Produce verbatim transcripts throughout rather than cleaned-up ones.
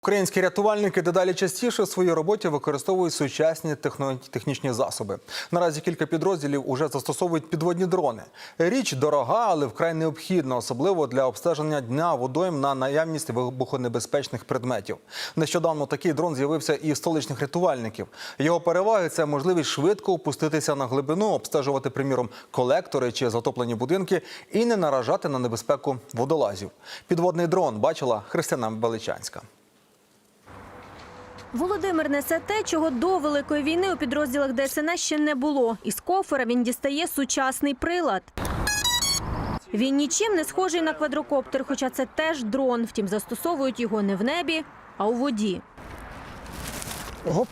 Українські рятувальники дедалі частіше в своїй роботі використовують сучасні технічні засоби. Наразі кілька підрозділів уже застосовують підводні дрони. Річ дорога, але вкрай необхідна, особливо для обстеження дна водойм на наявність вибухонебезпечних предметів. Нещодавно такий дрон з'явився і в столичних рятувальників. Його переваги – це можливість швидко опуститися на глибину, обстежувати, приміром, колектори чи затоплені будинки і не наражати на небезпеку водолазів. Підводний дрон бачила Христина Величанська. Володимир несе те, чого до Великої війни у підрозділах Де Ес En Ес ще не було. Із кофера він дістає сучасний прилад. Він нічим не схожий на квадрокоптер, хоча це теж дрон. Втім, застосовують його не в небі, а у воді. Оп.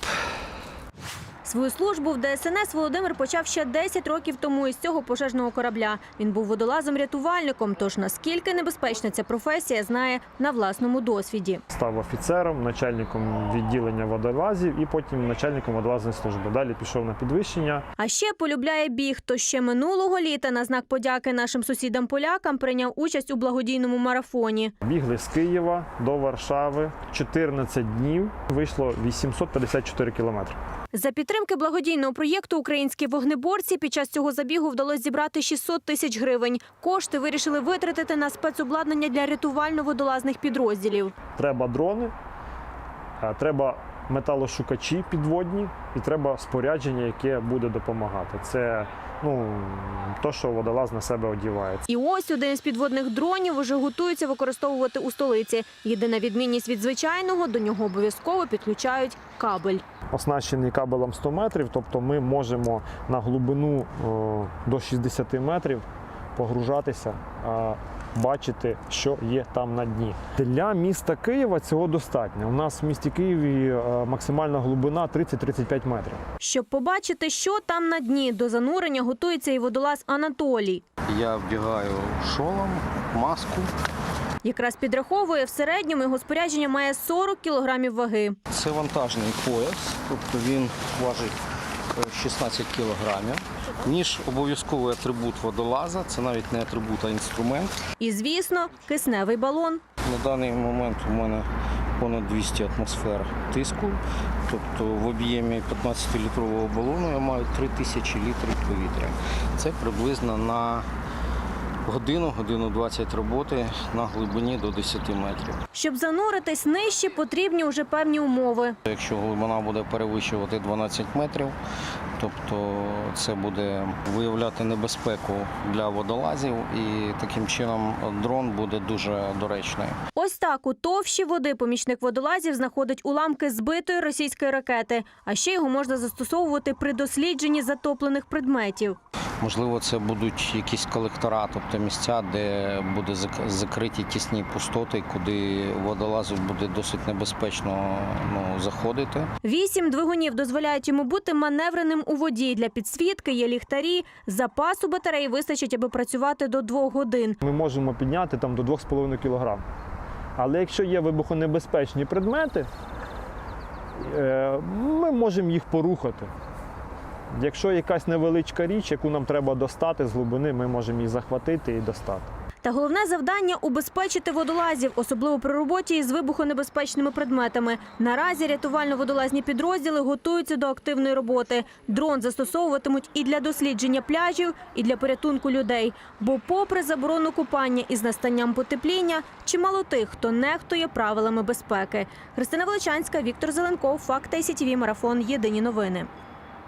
Свою службу в Де Ес En Ес Володимир почав ще десять років тому із цього пожежного корабля. Він був водолазом-рятувальником, тож наскільки небезпечна ця професія, знає на власному досвіді. Став офіцером, начальником відділення водолазів і потім начальником водолазної служби. Далі пішов на підвищення. А ще полюбляє біг, то ще минулого літа на знак подяки нашим сусідам-полякам прийняв участь у благодійному марафоні. Бігли з Києва до Варшави. чотирнадцять днів вийшло вісімсот п'ятдесят чотири кілометри. За підтримки благодійного проєкту українські вогнеборці під час цього забігу вдалося зібрати шістсот тисяч гривень. Кошти вирішили витратити на спецобладнання для рятувально-водолазних підрозділів. Треба дрони, треба металошукачі підводні і треба спорядження, яке буде допомагати. Це ну, то, що водолаз на себе одягає. І ось один із підводних дронів уже готуються використовувати у столиці. Єдина відмінність від звичайного – до нього обов'язково підключають кабель. Оснащений кабелем сто метрів, тобто ми можемо на глибину до шістдесят метрів погружатися, бачити, що є там на дні. Для міста Києва цього достатньо. У нас в місті Києві максимальна глибина тридцять - тридцять п'ять метрів. Щоб побачити, що там на дні, до занурення готується і водолаз Анатолій. Я вдягаю шолом, маску. Якраз підраховує, в середньому його спорядження має сорок кілограмів ваги. Це вантажний пояс, тобто він важить шістнадцять кілограмів. Ніж – обов'язковий атрибут водолаза, це навіть не атрибут, а інструмент. І, звісно, кисневий балон. На даний момент у мене понад двісті атмосфер тиску, тобто в об'ємі п'ятнадцятилітрового балону я маю три тисячі літрів повітря. Це приблизно на годину, годину двадцять роботи на глибині до десяти метрів. Щоб зануритись нижче, потрібні вже певні умови. Якщо глибина буде перевищувати дванадцять метрів, тобто це буде виявляти небезпеку для водолазів і таким чином дрон буде дуже доречний. Ось так у товщі води помічник водолазів знаходить уламки збитої російської ракети. А ще його можна застосовувати при дослідженні затоплених предметів. Можливо, це будуть якісь колектора, тобто місця, де буде закриті тісні пустоти, куди водолазу буде досить небезпечно ну, заходити. Вісім двигунів дозволяють йому бути маневреним у воді. Для підсвітки є ліхтарі. Запасу батареї вистачить, аби працювати до двох годин. Ми можемо підняти там до двох з половиною кілограм. Але якщо є вибухонебезпечні предмети, ми можемо їх порухати. Якщо якась невеличка річ, яку нам треба достати з глибини, ми можемо її захватити і достати. Та головне завдання – убезпечити водолазів, особливо при роботі із вибухонебезпечними предметами. Наразі рятувально-водолазні підрозділи готуються до активної роботи. Дрон застосовуватимуть і для дослідження пляжів, і для порятунку людей. Бо попри заборону купання із настанням потепління, чимало тих, хто нехтує правилами безпеки. Христина Величанська, Віктор Зеленков, Факти ай сі ті ві, Марафон, Єдині новини.